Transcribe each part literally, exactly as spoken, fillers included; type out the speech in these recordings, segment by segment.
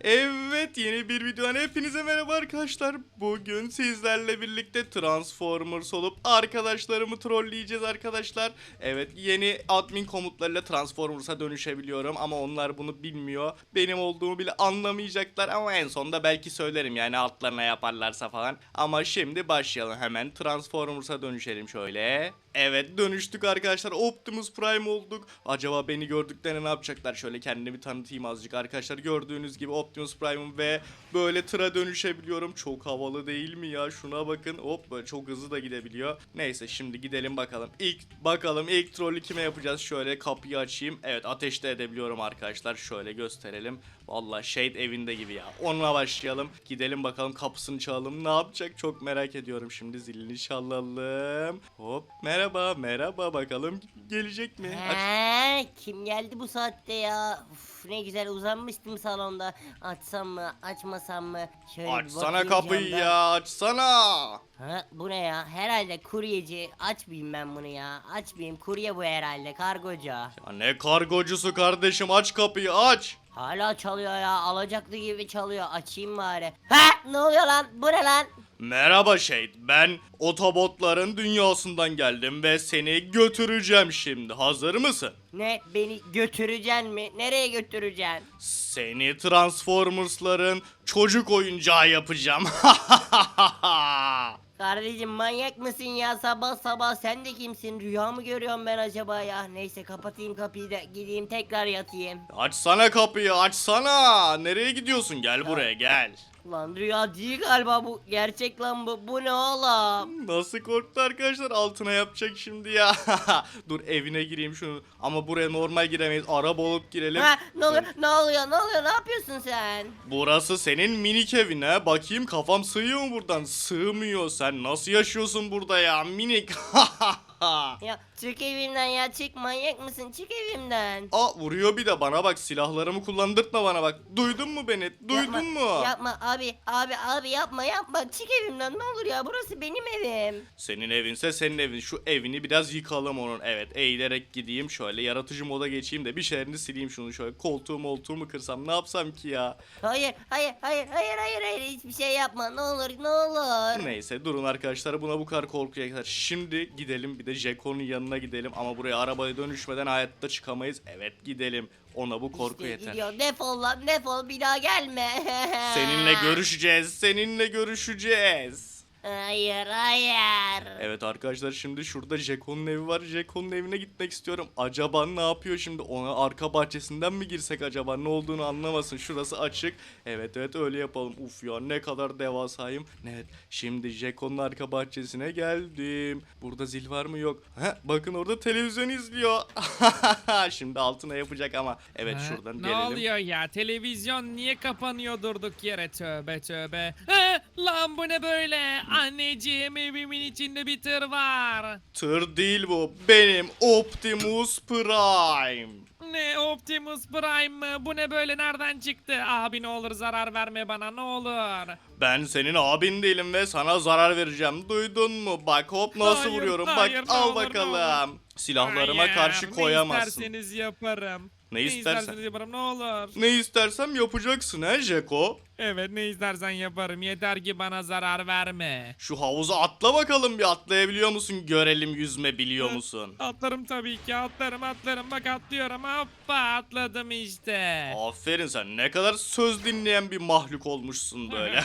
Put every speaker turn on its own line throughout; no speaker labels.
Evet, yeni bir videodan hepinize merhaba arkadaşlar. Bugün sizlerle birlikte Transformers olup arkadaşlarımı trolleyeceğiz arkadaşlar. Evet, yeni admin komutlarıyla Transformers'a dönüşebiliyorum ama onlar bunu bilmiyor. Benim olduğumu bile anlamayacaklar ama en sonunda belki söylerim yani altlarına yaparlarsa falan. Ama şimdi başlayalım, hemen Transformers'a dönüşelim şöyle. Evet, dönüştük arkadaşlar, Optimus Prime olduk. Acaba beni gördüklerinde ne yapacaklar? Şöyle kendimi tanıtayım azıcık arkadaşlar. Gördüğünüz gibi Optimus Prime'ım ve böyle tıra dönüşebiliyorum. Çok havalı değil mi ya? Şuna bakın. Hop, böyle çok hızlı da gidebiliyor. Neyse, şimdi gidelim bakalım. İlk bakalım ilk trolü kime yapacağız? Şöyle kapıyı açayım. Evet, ateşte edebiliyorum arkadaşlar. Şöyle gösterelim. Vallahi Shade evinde gibi ya. Onunla başlayalım. Gidelim bakalım, kapısını çalalım. Ne yapacak? Çok merak ediyorum. Şimdi zilini çalalım. Hop, merhaba merhaba, bakalım gelecek mi? Aç.
He, kim geldi bu saatte ya? Uf, ne güzel uzanmıştım salonda. Açsam mı, açmasam mı? Şöyle bir
Açsana
bakayım
kapıyı
camdan.
ya, açsana.
Ha, bu ne ya? Herhalde kuryeci. Açmayayım ben bunu ya. Açmayayım. Kurye bu herhalde. Kargocu.
Ya ne kargocusu kardeşim, aç kapıyı aç.
Hala çalıyor ya. Alacaklı gibi çalıyor. Açayım bari. Ha, ne oluyor lan? Bu ne lan?
Merhaba Shade, ben Otobotların dünyasından geldim ve seni götüreceğim şimdi. Hazır mısın?
Ne? Beni götüreceksin mi? Nereye götüreceksin?
Seni Transformers'ların çocuk oyuncağı yapacağım.
Kardeşim manyak mısın ya, sabah sabah sen de kimsin, rüya mı görüyorum ben acaba ya? Neyse, kapatayım kapıyı da gideyim tekrar yatayım.
Açsana kapıyı, açsana. Nereye gidiyorsun? Gel buraya, gel.
Lan rüya değil galiba bu, gerçek lan bu. Bu ne oğlum?
Nasıl korktu arkadaşlar, altına yapacak şimdi ya. Dur, evine gireyim şunu. Ama buraya normal giremeyiz, araba olup girelim.
Ha, ne oluyor ne oluyor ne oluyor, ne yapıyorsun sen?
Burası senin minik evin ha. Bakayım, kafam sığıyor mu buradan? Sığmıyor. Sen nasıl yaşıyorsun burada ya minik?
Ya çık evimden ya, çık, manyak mısın, çık evimden.
Aa, vuruyor bir de bana bak, silahlarımı kullandırtma bana bak. Duydun mu beni? Duydun
Yapma,
mu?
Yapma abi abi abi, yapma yapma, çık evimden ne olur ya, burası benim evim.
Senin evinse senin evin. Şu evini biraz yıkalım onun. Evet, eğilerek gideyim şöyle, yaratıcı moda geçeyim de bir şeylerini sileyim şunu şöyle. Koltuğu moltuğu kırsam ne yapsam ki ya?
Hayır hayır hayır hayır hayır hayır, hiçbir şey yapma, ne olur ne olur.
Neyse, durun arkadaşlar, buna bu kadar korkuya kadar. Şimdi gidelim bir de Jeko'nun yanına gidelim ama buraya arabaya dönüşmeden hayatta çıkamayız. Evet, gidelim. Ona bu korku
İşte
yeter.
gidiyor. Defol lan, defol, bir daha gelme.
Seninle görüşeceğiz. Seninle görüşeceğiz.
Hayır hayır.
Evet arkadaşlar, şimdi şurada Jeko'nun evi var. Jeko'nun evine gitmek istiyorum. Acaba ne yapıyor şimdi? Ona arka bahçesinden mi girsek acaba? Ne olduğunu anlamasın. Şurası açık. Evet evet, öyle yapalım. Uf ya, ne kadar devasayım. Evet, şimdi Jeko'nun arka bahçesine geldim. Burada zil var mı? Yok. Heh, bakın orada televizyon izliyor. Şimdi altına yapacak ama. Evet,
Ha,
şuradan
ne
gelelim.
oluyor ya? Televizyon niye kapanıyor durduk yere? Tövbe tövbe. Ha, lan bu ne böyle? Anneciğim, evimin içinde bir tır var.
Tır değil bu. Benim Optimus Prime.
Ne, Optimus Prime mı? Bu ne böyle, nereden çıktı? Abi ne olur zarar verme bana, ne olur.
Ben senin abin değilim ve sana zarar vereceğim. Duydun mu? Bak, hop nasıl
Hayır,
vuruyorum.
hayır,
Bak,
ne
al
olur, ne
bakalım. Silahlarıma
Hayır,
karşı koyamazsın.
Ne isterseniz yaparım.
Ne istersen.
yaparım, ne olur.
Ne istersem yapacaksın he Jeko.
Evet, ne istersen yaparım. Yeter ki bana zarar verme.
Şu havuza atla bakalım, bir atlayabiliyor musun? Görelim, yüzme biliyor musun?
Atlarım tabii ki, atlarım atlarım, bak atlıyorum, hoppa atladım işte.
Aferin, sen ne kadar söz dinleyen bir mahluk olmuşsun böyle.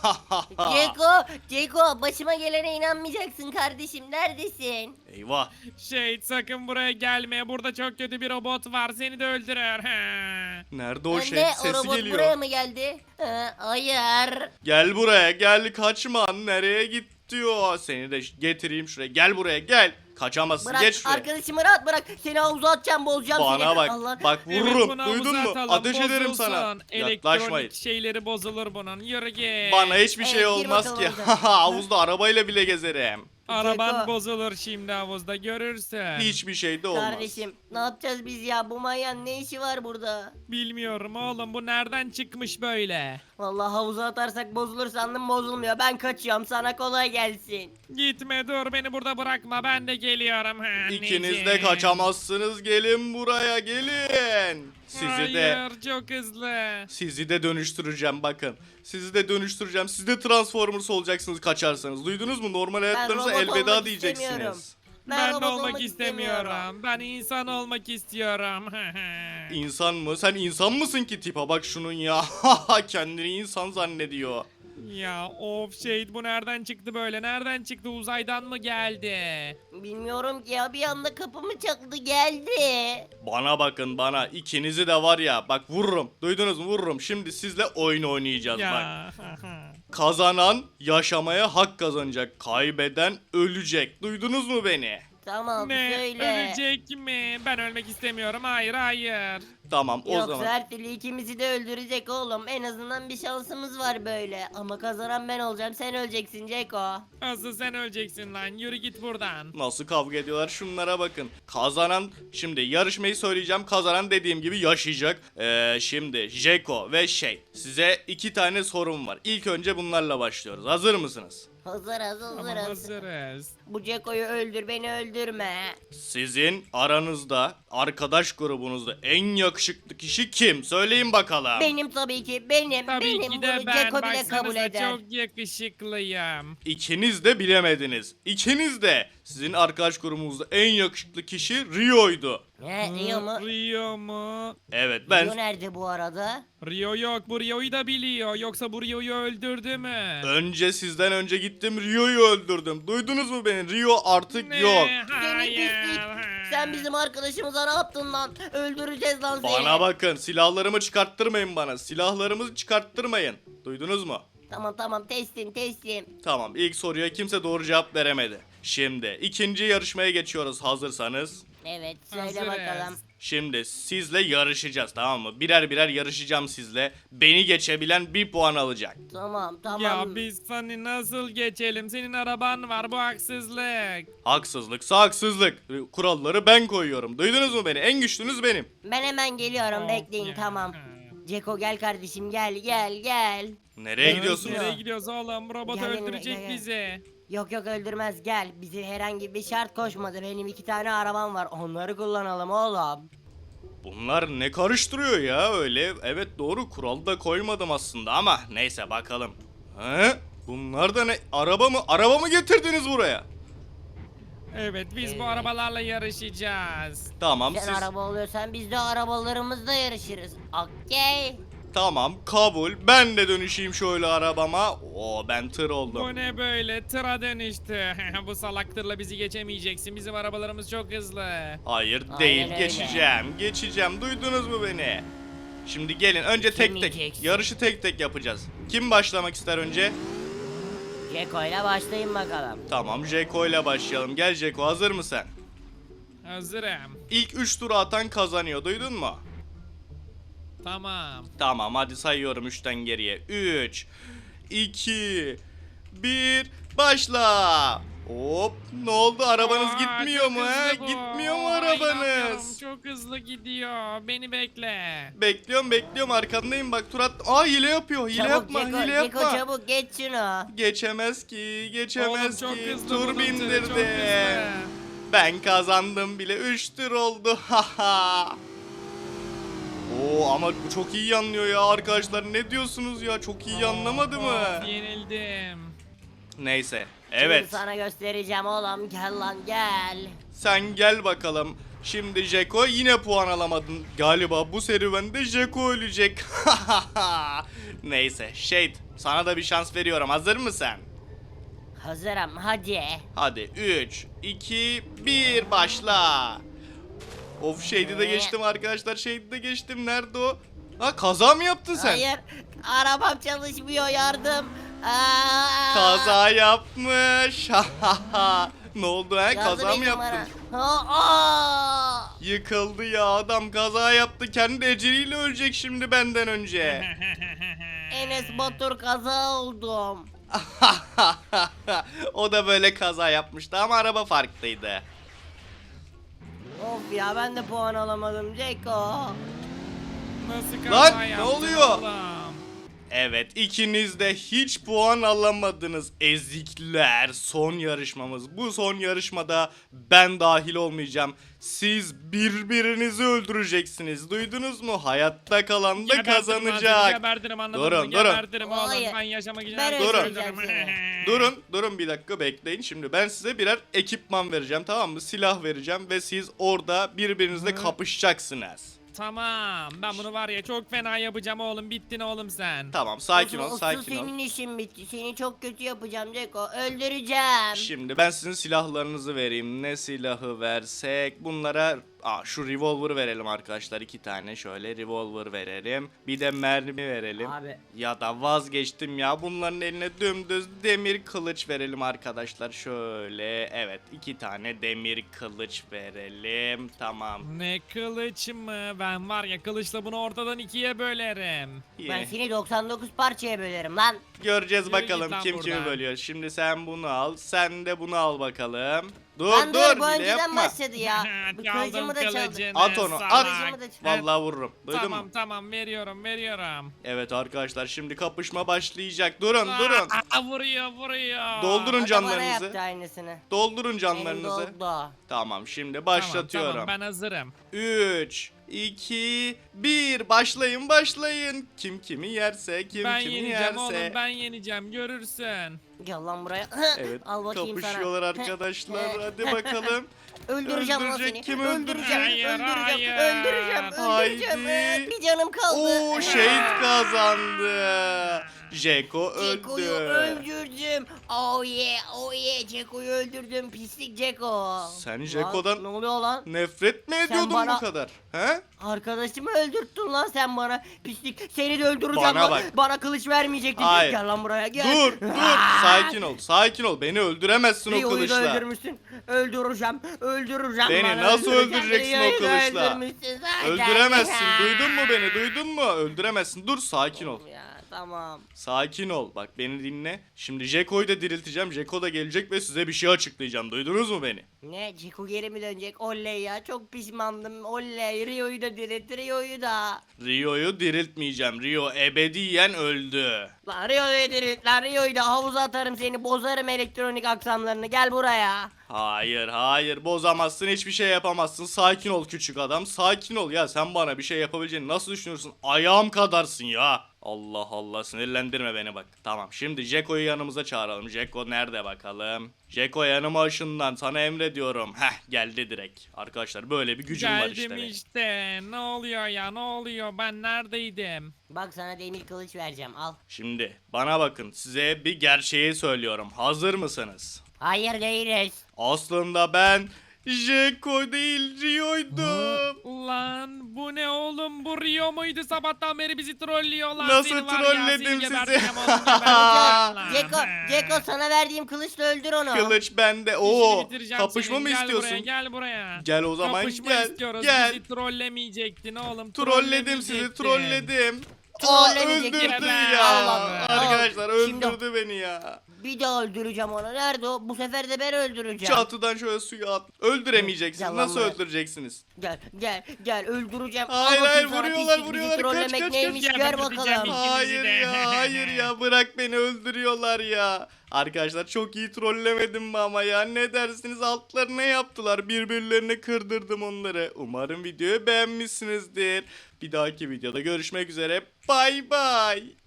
Ceko, Ceko, başıma gelene inanmayacaksın kardeşim, neredesin?
Eyvah.
Şey, sakın buraya gelme, burada çok kötü bir robot var, seni de öldürür.
Nerede o
Ee,
şey?
ne, o
Sesi
robot
geliyor.
buraya mı geldi? Ee, hayır.
Gel buraya, gel, kaçma. Nereye git diyor. Seni de getireyim şuraya. Gel buraya, gel. Kaçamazsın,
Bırak
geç şuraya.
arkadaşımı rahat bırak, seni havuza atacağım, bozacağım seni.
Bana bak,
Allah.
bak
Evet,
vururum.
bunu
Duydun
havuza
mu?
atalım,
Ateş ederim
bozulsun.
sana.
Elektronik
Yaklaşmayın.
şeyleri bozulur bunun, yürü git.
Bana hiçbir şey
Evet, gir
olmaz
bakalım
ki.
havuza.
Havuzda arabayla bile gezerim.
Araban
Ceko.
bozulur şimdi havuzda, görürsün.
Hiçbir şey de olmaz.
Kardeşim, ne yapacağız biz ya, bu manyağın ne işi var burada?
Bilmiyorum oğlum, bu nereden çıkmış böyle?
Vallahi havuza atarsak bozulur sandım, bozulmuyor, ben kaçıyorum, sana kolay gelsin.
Gitme, dur, beni burada bırakma, ben de geliyorum. Ha,
İkiniz de
anneciğim.
kaçamazsınız. Gelin buraya, gelin. Sizi de
Hayır çok hızlı.
sizi de dönüştüreceğim bakın. Sizi de dönüştüreceğim. Siz de Transformers olacaksınız kaçarsanız. Duydunuz mu? Normal hayatlarınıza
robot
elveda
olmak
diyeceksiniz.
istemiyorum.
Ben, de
robot
olmak istemiyorum. Ben insan olmak istiyorum.
İnsan mı? Sen insan mısın ki tipa bak şunun ya. Kendini insan zannediyor.
Ya of Shade, bu nereden çıktı böyle? Nereden çıktı? Uzaydan mı geldi?
Bilmiyorum ki ya, bir anda kapımı çaktı geldi.
Bana bakın bana. İkinizi de var ya. Bak vururum. Duydunuz mu? Vururum. Şimdi sizle oyun oynayacağız bak.
Ya.
Kazanan yaşamaya hak kazanacak. Kaybeden ölecek. Duydunuz mu beni?
Tamam
Ne?
söyle.
Ölecek mi? Ben ölmek istemiyorum. Hayır hayır.
Tamam o
Yoksa
zaman.
her türlü ikimizi de öldürecek oğlum. En azından bir şansımız var böyle. Ama kazanan ben olacağım, sen öleceksin Ceko.
Asıl sen öleceksin lan. Yürü git buradan.
Nasıl kavga ediyorlar şunlara bakın. Kazanan şimdi yarışmayı söyleyeceğim. Kazanan dediğim gibi yaşayacak. Ee, şimdi Jeko ve şey size iki tane sorum var. İlk önce bunlarla başlıyoruz. Hazır mısınız?
Hazırız
Ama
hazırız.
hazırız.
Bu Ceko'yu öldür, beni öldürme.
Sizin aranızda arkadaş grubunuzda en yakışıklı kişi kim? Söyleyin bakalım.
Benim tabii ki, benim,
Tabii
benim
ki de
bunu
ben.
Ceko bile kabul
Baksanıza
eder.
çok yakışıklıyım.
İkiniz de bilemediniz. İkiniz de. Sizin arkadaş grubunuzda en yakışıklı kişi Rio'ydu.
Ne, Rio mu?
Rio mu?
Evet ben
Rio nerede bu arada?
Rio yok. Bu Rio'yu da biliyor. Yoksa bu Rio'yu öldürdü mü?
önce sizden önce gittim Rio'yu öldürdüm. Duydunuz mu beni? Rio artık
Ne?
yok.
Seni
Hayır.
pislik. Sen bizim arkadaşımıza ne yaptın lan? Öldüreceğiz lan seni.
Bana bakın silahlarımı çıkarttırmayın bana. Silahlarımı çıkarttırmayın. Duydunuz mu?
Tamam tamam, teslim teslim.
Tamam ilk soruya kimse doğru cevap veremedi. Şimdi ikinci yarışmaya geçiyoruz hazırsanız.
Evet söyle
Hazırız.
bakalım.
Şimdi sizle yarışacağız tamam mı? Birer birer yarışacağım sizle. Beni geçebilen bir puan alacak.
Tamam tamam.
Ya biz seni nasıl geçelim? Senin araban var, bu haksızlık.
Haksızlıksa haksızlık. Kuralları ben koyuyorum. Duydunuz mu beni? En güçlünüz benim.
Ben hemen geliyorum,
Of
bekleyin
ya.
tamam. Ceko gel kardeşim, gel gel gel.
Nereye
Evet,
gidiyorsunuz?
Nereye gidiyoruz oğlum? Robot
Gel benimle,
öldürecek
gel, gel.
bizi.
Yok yok öldürmez, gel. Bize herhangi bir şart koşmadı. Benim iki tane arabam var, onları kullanalım oğlum.
Bunlar ne karıştırıyor ya öyle? Evet doğru kural da koymadım aslında ama neyse bakalım. He? Bunlar da ne? Araba mı? Araba mı getirdiniz buraya?
Evet, biz bu
Evet.
arabalarla yarışacağız.
Tamam
Sen
siz
araba oluyorsan biz de arabalarımızla yarışırız. Okey.
tamam kabul. Ben de dönüşeyim şöyle arabama. Oo ben tır
Bu
oldum.
ne böyle? Tıra dönüştü. Bu salak tırla bizi geçemeyeceksin. Bizim arabalarımız çok hızlı.
Hayır
Aynen
değil
öyle.
geçeceğim. Geçeceğim. Duydunuz mu beni? Şimdi gelin önce tek tek
Geçemeyeceksin.
yarışı tek tek yapacağız. Kim başlamak ister önce?
Ceko ile başlayın bakalım.
Tamam Jeko ile başlayalım. Gel Jeko hazır mısın?
Hazırım.
İlk üç turu atan kazanıyor. Duydun mu?
Tamam.
Tamam hadi sayıyorum üçten geriye. üç, iki, bir, başla. Hop ne oldu arabanız
Aa,
gitmiyor
çok
mu he?
hızlı bu.
Gitmiyor mu
Aa, inanmıyorum.
arabanız?
Çok hızlı gidiyor. Beni bekle.
Bekliyorum bekliyorum arkandayım bak Turat. Aa hile yapıyor hile
Çabuk
yapma
Ceko,
hile
Ceko
yapma.
çabuk geç şunu.
Geçemez ki
Oğlum
geçemez
çok
ki.
hızlı
Tur
bunun tırı,
bindirdi.
çok hızlı.
Ben kazandım bile üç tur oldu. Haha. Oo ama bu çok iyi anlıyor ya arkadaşlar. Ne diyorsunuz ya? Çok iyi anlamadı mı?
Of, yenildim.
Neyse.
Şimdi
Evet.
sana göstereceğim oğlum, gel lan gel.
Sen gel bakalım. Şimdi Jeko yine puan alamadın. Galiba bu serüvende Jeko ölecek. Neyse. Shade sana da bir şans veriyorum. Hazır mısın?
Hazırım hadi.
Hadi üç, iki, bir başla. Of Shade'i de geçtim arkadaşlar. Shade'i de geçtim. Nerede o? Ha kaza mı yaptın sen?
Hayır, arabam çalışmıyor, yardım. Aa!
Kaza yapmış. Ne oldu ha?
Yardım
Kaza mı
edin
yaptın?
bana. Aa!
Yıkıldı ya adam kaza yaptı. Kendi eceliyle ölecek şimdi benden önce.
Enes Batur kaza oldum.
O da böyle kaza yapmıştı ama araba farklıydı.
Of ya, ben de puan alamadım Ceko.
Nasıl
Lan,
kaza
ne
yaptın
oluyor?
oğlum?
Evet, ikiniz de hiç puan alamadınız ezikler. Son yarışmamız. Bu son yarışmada ben dahil olmayacağım. Siz birbirinizi öldüreceksiniz. Duydunuz mu? Hayatta kalan da
Gebertirim lan seni,
kazanacak.
Gebertirim anladın
Durun,
mı?
durun.
Gebertirim oğlum
Hayır.
ben yaşamak için
Ben
her şeyi
öldüreceğim
öldürürüm.
Durun, durun bir dakika bekleyin. Şimdi ben size birer ekipman vereceğim, tamam mı? Silah vereceğim ve siz orada birbirinizle kapışacaksınız.
Tamam ben bunu var ya çok fena yapacağım oğlum, bittin oğlum sen.
Tamam, sakin ol,
Asıl
sakin ol.
senin işin bitti. Seni çok kötü yapacağım Ceko. Öldüreceğim.
Şimdi ben sizin silahlarınızı vereyim. Ne silahı versek? Bunlara Aa, şu revolver verelim arkadaşlar. iki tane şöyle revolver verelim. Bir de mermi verelim.
Abi.
Ya da vazgeçtim ya. Bunların eline dümdüz demir kılıç verelim arkadaşlar. Şöyle. Evet, iki tane demir kılıç verelim. Tamam.
Ne kılıç mı? Ben var ya kılıçla bunu ortadan ikiye bölerim.
Ben
İyi.
seni doksan dokuz parçaya bölerim lan.
Göreceğiz
Yürü
bakalım
git lan
kim kimi
buradan.
bölüyor. Şimdi sen bunu al. Sen de bunu al bakalım. Dur
Lan
dur,
dur bu
hile
önceden
yapma.
başladı ya. Bu
Çaldım
kılıcımı da çaldı.
kılıcını,
At onu,
salak.
at.
Kılıcımı da çaldı.
Vallahi vururum. Duydun
Tamam
mu?
tamam veriyorum veriyorum.
Evet arkadaşlar, şimdi kapışma başlayacak. Durun durun.
Aa, vuruyor vuruyor.
Doldurun
O da bana
canlarınızı.
yaptı aynısını.
Doldurun
Benim
canlarınızı.
doldu.
Tamam, şimdi
Tamam,
başlatıyorum.
tamam ben hazırım.
üç, iki, bir. Başlayın başlayın. Kim kimi yerse, kim
ben
kimi
yeneceğim
yerse.
oğlum ben yeneceğim görürsün.
Gel lan buraya.
Evet,
Al bakayım
kapışıyorlar
sana.
arkadaşlar. Hadi bakalım.
Öldüreceğim lan
Öldürecek,
seni.
kim
öldüreceğim.
öldürecek?
öldüreceğim.
Hayır,
öldüreceğim.
hayır.
Öldüreceğim.
Haydi.
Ee, Bir canım kaldı.
Oo, şehit kazandı. Jeko
Ceko'yu
öldü.
öldürdüm. Oh yeah, oh yeah. Ceko'yu öldürdüm. Pislik Ceko.
Sen
Lan,
Ceko'dan
ne oluyor lan?
nefret mi ediyordun
bana-
bu kadar? He?
Arkadaşımı öldürttün lan sen bana. Pislik. Seni de öldüreceğim
Bana
lan.
bak.
Bana kılıç vermeyecektin.
Hayır.
Gel lan buraya gel.
Dur dur, sakin ol sakin ol. Beni öldüremezsin o
Rio'yu da
kılıçla.
öldürmüşsün. Öldüreceğim. Öldüreceğim.
Beni
bana,
nasıl
öldüreceğim.
öldüreceksin o
Rio'yu da
kılıçla?
öldürmüşsün zaten.
Öldüremezsin, duydun mu beni, duydun mu? Öldüremezsin, dur sakin ol.
Ya tamam.
Sakin ol, bak beni dinle. Şimdi Jeko'yu da dirilteceğim, Jeko da gelecek ve size bir şey açıklayacağım, duydunuz mu beni?
Ne? Ceko geri mi dönecek? Oley ya. Çok pişmandım. Oley. Rio'yu da dirilt. Rio'yu da.
Rio'yu diriltmeyeceğim, Rio ebediyen öldü.
Lan Rio'yu dirilt. Lan Rio'yu da havuza atarım seni. Bozarım elektronik aksamlarını. Gel buraya.
Hayır hayır, bozamazsın, hiçbir şey yapamazsın. Sakin ol küçük adam, sakin ol ya. Sen bana bir şey yapabileceğini nasıl düşünüyorsun? Ayağım kadarsın ya. Allah Allah, sinirlendirme beni bak. Tamam, şimdi Jeko'yu yanımıza çağıralım. Jeko nerede bakalım? Jeko yanıma ışından, sana emrediyorum. Heh, geldi direkt. Arkadaşlar böyle bir gücüm var işte.
Geldim
benim.
işte. Ne oluyor ya ne oluyor ben neredeydim?
Bak sana demir kılıç vereceğim. Al.
Şimdi bana bakın, size bir gerçeği söylüyorum. Hazır mısınız?
Hayır değiliz.
Aslında ben Jeko değil, Rio'ydum.
Ulan bu ne oğlum, bu Rio muydu, sabahtan beri bizi trollüyorlar.
Nasıl
Seni var ya,
trolledim
seni
sizi?
geberteceğim oğlum, geberteceğim lan.
Ceko, Ceko sana verdiğim kılıçla öldür onu.
Kılıç bende.
İşini
Oo,
bitireceğim
kapışma
senin.
mı
Gel
istiyorsun?
Buraya, gel buraya.
Gel o zaman,
Kapışma
gel,
istiyoruz.
gel.
Bizi trollemeyecektin oğlum.
Trolledim sizi,
trollemeyecektin.
trolledim. Aa,
Trollemeyecektin.
öldürdü
Ben-
ya.
Allah Allah.
Arkadaşlar
Şimdi-
öldürdü beni ya.
Bir daha öldüreceğim onu. Nerede o? Bu sefer de ben öldüreceğim.
Çatıdan şöyle suya at. Öldüremeyeceksiniz.
Yalan
Nasıl
be.
öldüreceksiniz?
Gel gel gel öldüreceğim.
Hayır,
Al bakayım
hayır,
sana
vuruyorlar,
pislik, bizi
vuruyorlar. Kaç,
trollemek
kaç,
neymiş
kaç.
gör
Geberteceğim
bakalım.
ikinizi
Hayır
de.
ya, hayır ya. Bırak beni, öldürüyorlar ya. Arkadaşlar çok iyi trollemedim mi ama ya? Ne dersiniz? Altlarına yaptılar. Birbirlerini kırdırdım onları. Umarım videoyu beğenmişsinizdir. Bir dahaki videoda görüşmek üzere. Bay bay.